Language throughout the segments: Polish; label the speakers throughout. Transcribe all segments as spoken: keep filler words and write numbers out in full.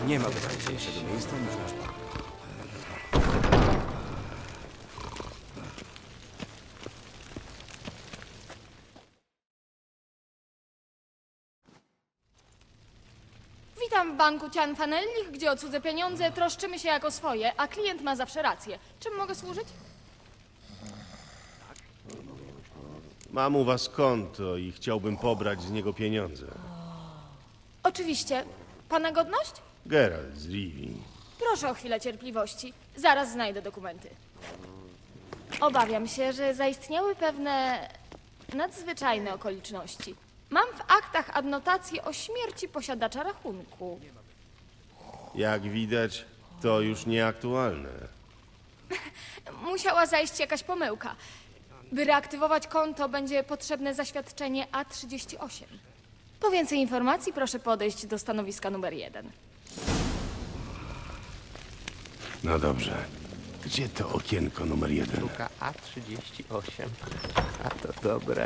Speaker 1: Nie ma bezpieczniejszego miejsca niż nasz bank.
Speaker 2: Witam w banku Cianfanellich, gdzie o cudze pieniądze troszczymy się jako swoje, a klient ma zawsze rację. Czym mogę służyć?
Speaker 3: Mam u was konto i chciałbym pobrać z niego pieniądze.
Speaker 2: Oczywiście. Pana godność?
Speaker 3: Geralt z Rivii.
Speaker 2: Proszę o chwilę cierpliwości. Zaraz znajdę dokumenty. Obawiam się, że zaistniały pewne nadzwyczajne okoliczności. Mam w aktach adnotację o śmierci posiadacza rachunku.
Speaker 3: Jak widać, to już nieaktualne.
Speaker 2: Musiała zajść jakaś pomyłka. By reaktywować konto, będzie potrzebne zaświadczenie A trzydzieści osiem. Po więcej informacji proszę podejść do stanowiska numer jeden.
Speaker 3: No dobrze. Gdzie to okienko numer jeden?
Speaker 4: Sztuka A trzydzieści osiem. A to dobre.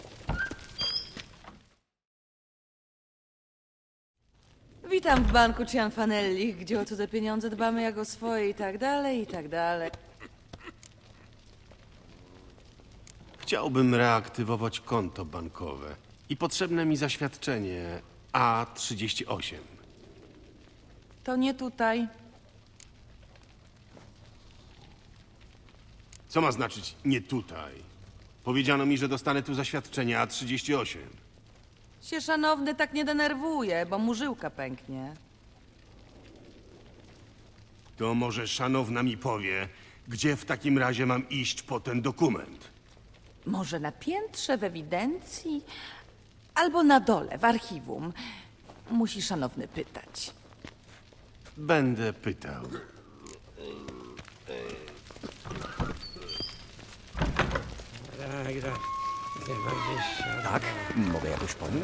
Speaker 5: Witam w banku Cianfanellich, gdzie o cudze pieniądze dbamy jak o swoje i tak dalej, i tak dalej.
Speaker 3: Chciałbym reaktywować konto bankowe i potrzebne mi zaświadczenie A trzydzieści osiem.
Speaker 5: To nie tutaj.
Speaker 3: Co ma znaczyć nie tutaj? Powiedziano mi, że dostanę tu zaświadczenie A trzydzieści osiem.
Speaker 5: Się szanowny tak nie denerwuje, bo mu żyłka pęknie.
Speaker 3: To może szanowna mi powie, gdzie w takim razie mam iść po ten dokument?
Speaker 5: Może na piętrze w ewidencji? Albo na dole w archiwum. Musi szanowny pytać.
Speaker 3: Będę pytał.
Speaker 1: Tak? Mogę jakoś pomóc?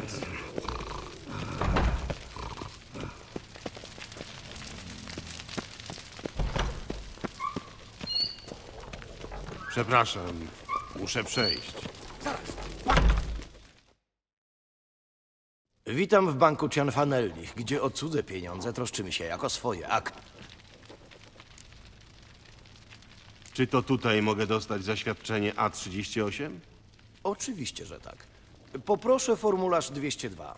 Speaker 3: Przepraszam, muszę przejść.
Speaker 6: Witam w banku Cianfanellich, gdzie o cudze pieniądze troszczymy się jako swoje. Akt.
Speaker 3: Czy to tutaj mogę dostać zaświadczenie A trzydzieści osiem?
Speaker 6: Oczywiście, że tak. Poproszę formularz dwieście dwa.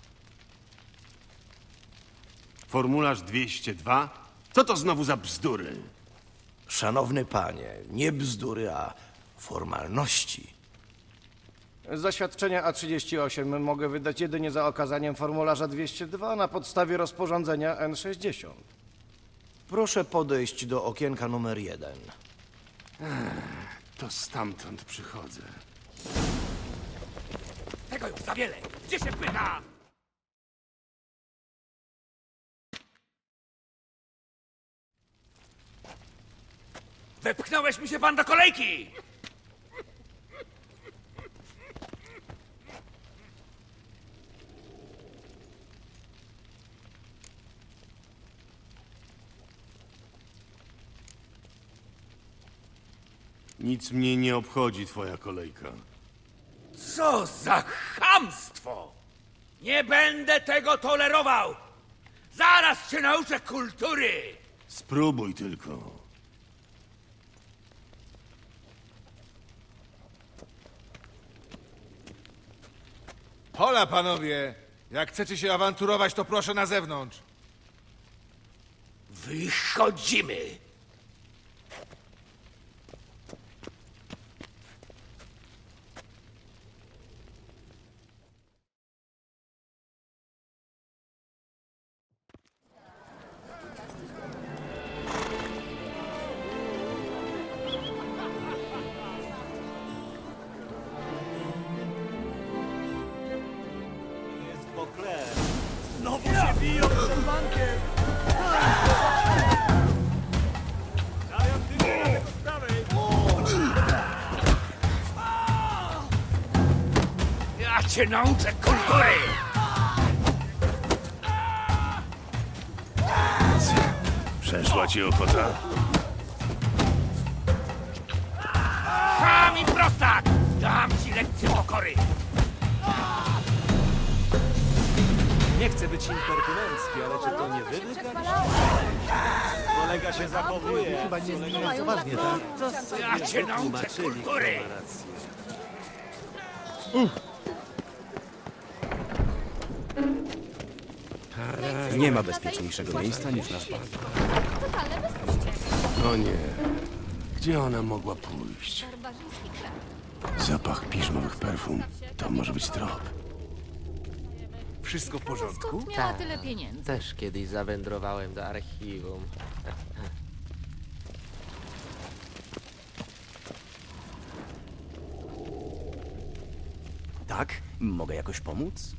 Speaker 3: Formularz dwieście dwa? Co to znowu za bzdury?
Speaker 6: Szanowny panie, nie bzdury, a formalności.
Speaker 7: Zaświadczenia A trzydzieści osiem mogę wydać jedynie za okazaniem formularza dwieście dwa na podstawie rozporządzenia N sześćdziesiąt.
Speaker 6: Proszę podejść do okienka numer jeden.
Speaker 3: To stamtąd przychodzę.
Speaker 1: Tego już za wiele! Gdzie się pyta? Wepchnąłeś mi się pan do kolejki!
Speaker 3: Nic mnie nie obchodzi twoja kolejka.
Speaker 1: Co za chamstwo! Nie będę tego tolerował! Zaraz cię nauczę kultury!
Speaker 3: Spróbuj tylko.
Speaker 8: Hola, panowie! Jak chcecie się awanturować, to proszę na zewnątrz.
Speaker 1: Wychodzimy! Znowu się biją przed bankiem! Ja cię nauczę kultury!
Speaker 3: Przeszła ci ochota?
Speaker 1: Cham i prostak! Dam ci lekcję pokory!
Speaker 9: Nie chcę być impertynencki, ale czy to nie wy wygraliście? Kolega się zachowuje. Chyba nie zmienia poważnie, tak?
Speaker 1: Ja cię nauczę kultury!
Speaker 6: Nie ma bezpieczniejszego miejsca niż nasz park.
Speaker 2: Totalne bezpuście.
Speaker 3: O nie. Gdzie ona mogła pójść?
Speaker 2: Barbarzyński kraj.
Speaker 3: Zapach piżmowych perfum. To może być trop.
Speaker 8: Wszystko w porządku?
Speaker 5: Skąd miała tyle pieniędzy?
Speaker 4: Też kiedyś zawędrowałem do archiwum.
Speaker 6: Tak? Mogę jakoś pomóc?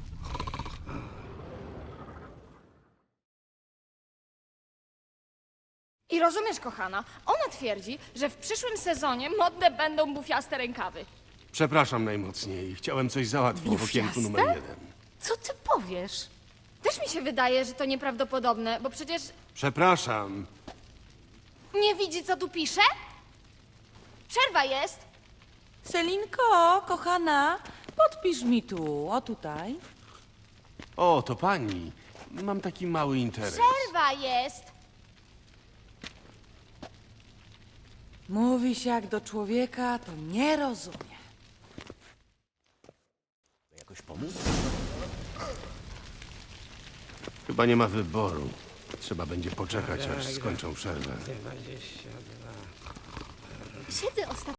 Speaker 2: I rozumiesz, kochana, ona twierdzi, że w przyszłym sezonie modne będą bufiaste rękawy.
Speaker 3: Przepraszam najmocniej. Chciałem coś załatwić w okienku numer jeden.
Speaker 5: Co ty powiesz?
Speaker 2: Też mi się wydaje, że to nieprawdopodobne, bo przecież
Speaker 3: Przepraszam.
Speaker 2: nie widzi, co tu pisze? Przerwa jest.
Speaker 5: Selinko, kochana, podpisz mi tu, o tutaj.
Speaker 3: O, to pani. Mam taki mały interes.
Speaker 2: Przerwa jest.
Speaker 5: Mówi się jak do człowieka, to nie rozumie.
Speaker 6: Jakoś pomóc?
Speaker 3: Chyba nie ma wyboru. Trzeba będzie poczekać, aż skończą przerwę.
Speaker 2: Siedzę ostatnio.